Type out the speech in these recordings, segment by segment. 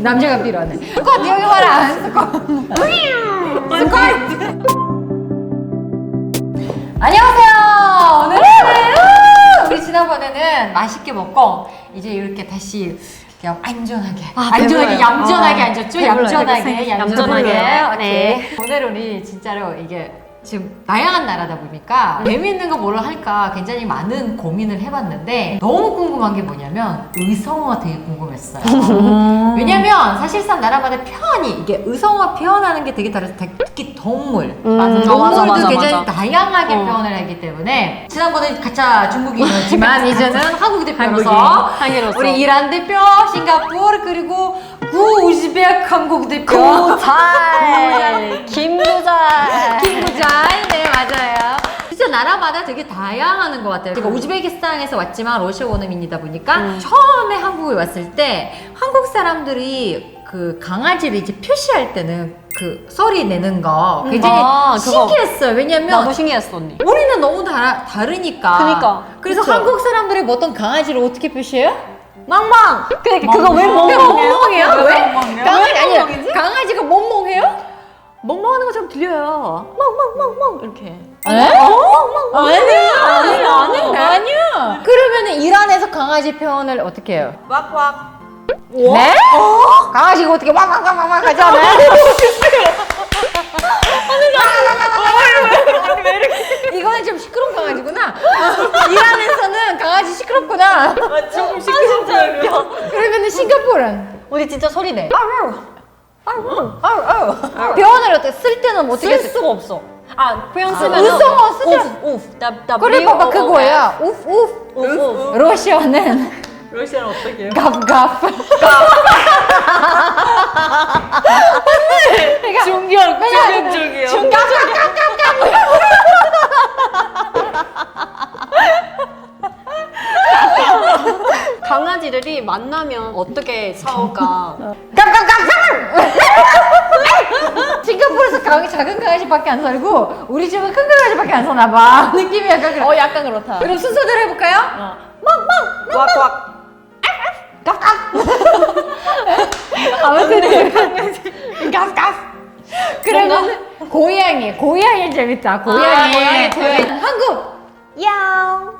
남자가 필요하네. 스쿼트 여기 봐라. 스쿼트. 안녕하세요. 오늘은 우리 지난번에는 맛있게 먹고 이제 이렇게 다시 그냥 안전하게, 안전하게, 얌전하게 앉았죠? 얌전하게. 네. 오늘 우리 진짜로 이게 지금 다양한 나라다 보니까 재미있는 거 뭐를 할까 굉장히 많은 고민을 해봤는데 너무 궁금한 게 뭐냐면 의성어가 되게 궁금했어요. 왜냐면 사실상 나라마다 표현이 이게 의성어 표현하는 게 되게 다르서 특히 동물 동물도 굉장히 다양하게 표현을 하기 때문에 지난번에 가짜 중국인이었지만 이제는 한국 대표로서 우리 이란 대표, 싱가포르 그리고 우즈벡 한국 대표 김부잘 네 맞아요. 진짜 나라마다 되게 다양한 것 같아요. 제가 우즈베키스탄에서 왔지만 러시아 원어민이다 보니까 처음에 한국에 왔을 때 한국 사람들이 그 강아지를 이제 표시할 때는 그 소리 내는 거 굉장히 신기했어요. 왜냐면 나도 신기했어 언니. 우리는 너무 다르니까. 그니까. 그래서 그쵸? 한국 사람들이 보통 강아지를 어떻게 표시해요? 멍멍. 그거 왜 멍멍해요? 왜? 강아지 왜 아니 멍멍이지? 강아지가 멍멍해요? 멍멍하는 것처럼 들려요. 멍멍멍멍 이렇게. 아니야. 그러면은 이란에서 강아지 표현을 어떻게 해요? 왁왁. 네? 강아지가 어떻게 와와와와 하잖아요. 이거는 좀 시끄러운 강아지구나. 이란에서는 강아지 시끄럽구나. 조금 시끄러운 줄 알고. 그러면은 싱가포르는 우리 진짜 소리 내. 표현을 어떻게 쓸 때는 어떻게 쓸 수가 없어. 표현 쓰면 의성어 쓰자. 그래 봐봐 그거야. 우프. 러시아는 러시아는 어떻게 해요? 갑갑. 충격적이요. 강아지들이 만나면 어떻게 싸울까? 싱가포르에서 작은 강아지밖에 안 살고 우리 집은 큰 강아지밖에 안 사나 봐. 느낌이 약간 그래. 약간 그렇다. 그럼 순서대로 해볼까요? 왁왁. 아무튼 그러면 고양이 재밌다. 고양이. 한국 야옹.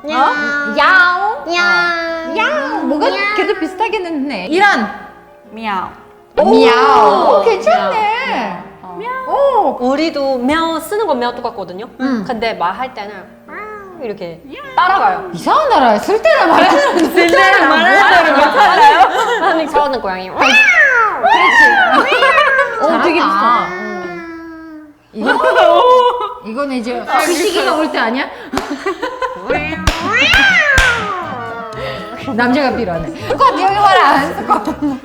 야옹 뭔가 걔도 비슷하겠는데. 이란 미야오. 미야오. 괜찮네. 오. 우리도 мя우 쓰는 건 мя우 똑같거든요. 근데 말할 때는 이렇게 따라가요. 이상한 나라에 쓸 때나 말하는 괜찮아요? 아니 저는 고양이. 되게 비슷하다. 이거는 이제 그 시기가 올 때 아니야? 남자가 필요하네. 스쿼트 여기 봐라. 스쿼트.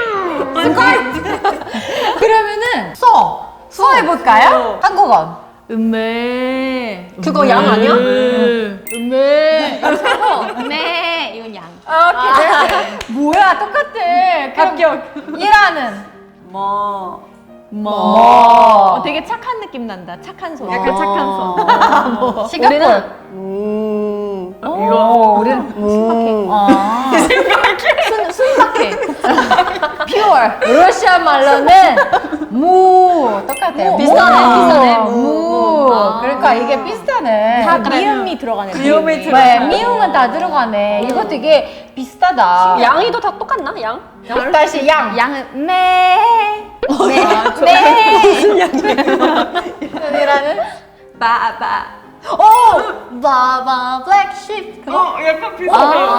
그러면은 소 해볼까요? 한국어. 음메. 그거 양 아니야? 음메. 네, 이건 양. 오케이. 뭐야 똑같아. 합격. 이란은 되게 착한 느낌 난다. 착한 소. 약간 착한 소. 싱가포르. 이거 우리는 순박해. 퓨어. 러시아 말로는 무 똑같아요. 비슷하네. 무. 그러니까 이게 비슷하네. 다 미음이 들어가네. 네, 미음은 다 들어가네. 이거 되게 비슷하다. 양이도 다 똑같나? 양? 다시 양. 양은 네. 무슨 양이라는 바바. 바바 블랙쉽. 약간 비슷해요.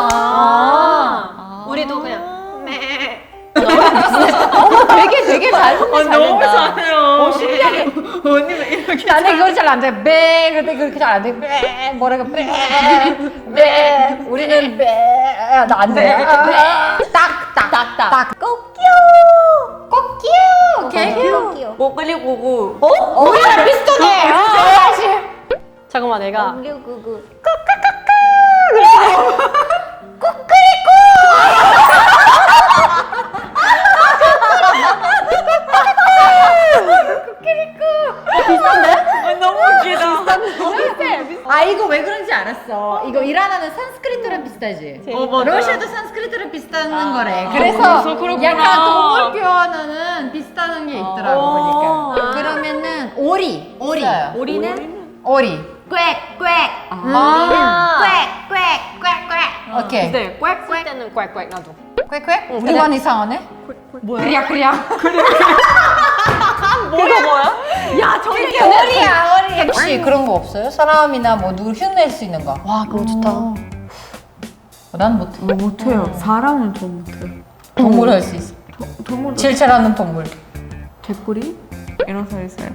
우리도 그냥 되게 잘 너무 잘해요. 신기하게. 언니는 이렇게. 나는 그거 잘 안 돼. 배 그때 그렇게 잘 안 돼. 배 뭐라고 배. 우리는 나안 돼. 딱. 꼬끼요. 목걸이 고구. 우리랑 비슷하네. 사실. 잠깐만 내가 너무 웃기다. 이거 왜 그런지 알았어. 이거 이란어는 산스크리트랑 비슷하지? 맞아요. 러시아도 산스크리트랑 비슷해. 비슷한 거래. 그래서 약간 동물 표현은 비슷한 게 있더라고 보니까. 그러면은 오리. 오리는 오리. 꽥꽥. 아. 꽥꽥. 오케이. 네, 꽥꽥 때는 꽥꽥 나도. 꽥꽥? 우리만 이상하네? 뭐야? 그냥. 이거 뭐야? 야 저게 오리야. 혹시 그런 거 없어요? 사람이나 뭐 누굴 흉낼 수 있는 거? 와, 그거 좋다. 난 못해. 못해요. 사람은 좀 못해요. 동물 할 수 있어. 동물 제일 잘하는 동물. 개꼬리 일어서 있어요.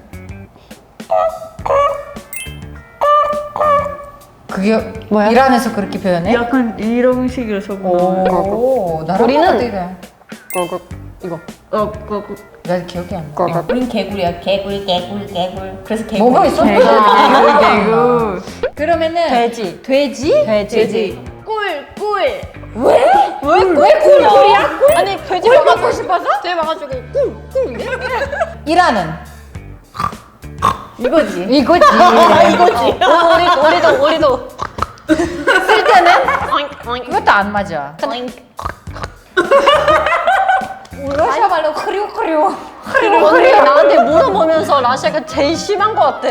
그게 뭐야? 이란에서 그렇게 표현해? 약간 이런 식으로 적은 나와요. 오, 나랑 우리는- 똑같아, 이거. 꿀꿀 이거. 나 기억이 안 나. 꿀꿀. 우린 개구리야. 개굴. 그래서 개굴. 뭐가 있어? 개구. 그러면은 돼지. 돼지? 돼지. 꿀꿀. 왜 꿀꿀이야? 아니, 돼지 꿀 먹고 먹고 싶어서? 돼지 먹어가지고 꿀꿀. 이란은 이거지. 이거지. 우리도. 쓸 때는 이것도 안 맞아. 러시아 말로 흐려. 언니 나한테 물어보면서 라시아가 제일 심한 것 같아.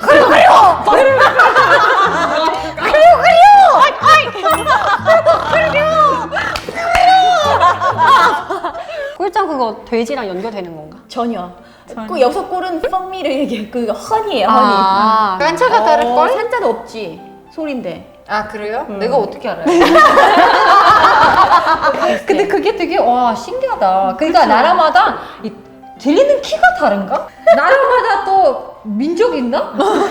꿀짱 그거 돼지랑 연결되는 건가? 전혀. 그 여기서 꿀은 펑미를 얘기해. 그 허니예요, 허니. 아, 깐차가 다를걸? 산자도 없지. 소리인데. 아 그래요? 내가 어떻게 알아요? 근데 그게 되게 와 신기하다. 그러니까 나라마다 들리는 키가 다른가? 나라마다 또 민족 있나?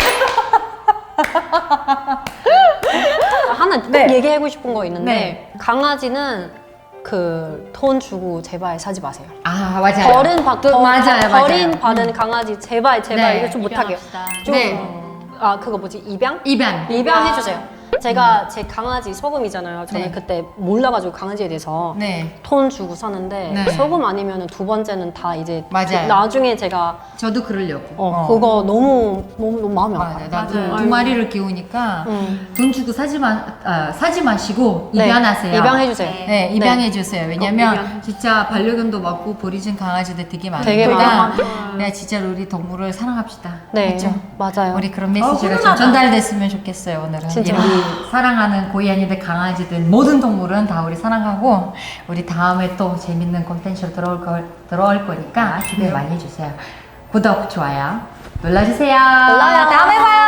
하나 꼭 네. 얘기하고 싶은 거 있는데 네. 강아지는 그 돈 주고 제발 사지 마세요. 아 맞아요. 맞아요. 버린 받은 강아지 제발 네. 이거 좀 못하게. 좀, 네. 아 그거 뭐지 입양? 입양. 입양해주세요. 제가 제 강아지 소금이잖아요. 저는 네. 그때 몰라가지고 강아지에 대해서 네. 돈 주고 사는데 네. 소금 아니면 두 번째는 다 이제 맞아요. 나중에 제가 저도 그러려고. 그거 너무 마음이 맞아. 아파요. 나도 두 마리를 키우니까 음. 돈 주고 사지 마시고 네. 입양하세요. 입양해주세요. 네, 입양해 주세요. 왜냐면 진짜 반려견도 많고 버리진 강아지들 되게 되게 많으니까 많아요. 네, 진짜 우리 동물을 사랑합시다. 네, 그렇죠? 맞아요. 우리 그런 메시지가 좀 훈훈하다. 전달됐으면 좋겠어요. 오늘은 진짜. 우리 사랑하는 고양이들, 강아지들 모든 동물은 다 우리 사랑하고 우리 다음에 또 재밌는 콘텐츠로 들어올 거니까 기대 많이 해주세요. 구독, 좋아요 눌러주세요. 눌러요. 다음에 봐요.